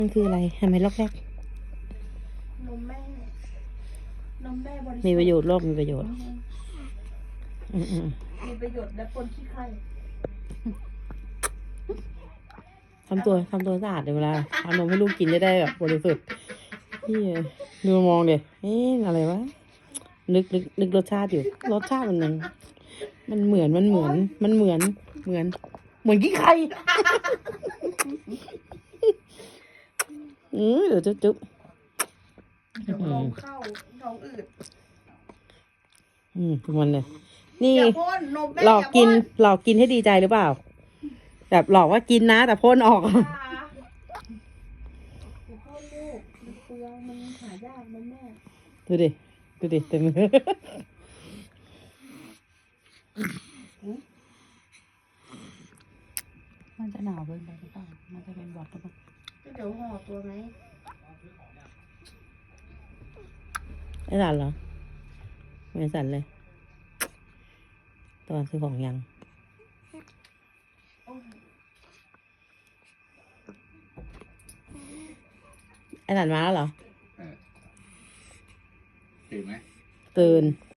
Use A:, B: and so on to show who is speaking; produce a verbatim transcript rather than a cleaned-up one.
A: มันคืออะไรทำไมลอกแรก
B: นมแม่นมแม่บริสุทธิ์
A: มีประโยชน์โลกมีประโยชน์อืมอืม
B: มีประโยชน์และปนขี้ไข่
A: ทำตัวทำตัวสะอาดเดี๋ยวเวลาเอานมให้ลูกกินจะได้แบบบริสุทธิ์พี่ดูมองเดี๋ยเอ๊ะอะไรวะนึกนึกนึกรสชาติอยู่รสชาติมันมันมันเหมือนมันเหมือน มันเหมือนเหมือน เหมือนขี้ไข่อือเดี๋ยวจุ๊บจุ๊บ
B: เดี๋ยวลมเข้าท้องอืด
A: อืมมันเลยนี่
B: อย่าพ่นนมแม่
A: หลอกกิน
B: อย่าพ่
A: หลอกกินให้ดีใจหรือเปล่า แบบหลอกว่ากินนะ แต่พ่นออก
B: อย่าพ่นลูกมันเปลืองมันหายากนมแม่
A: ดูดิ ดูดิเต็มมือ มันจะหนาวเกินไปหรือเปล่ามันจะเป็นหวัดหรือเปล่า
B: ก็เดี๋ยวห่อตัวไหม
A: ไอ้สันเหรอไม่สันเลย ตอนซื้อของยัง
B: โอ้ย
A: ไอ้สันมาแล้วเหรอ
C: ตื่นไหม
A: ตื่น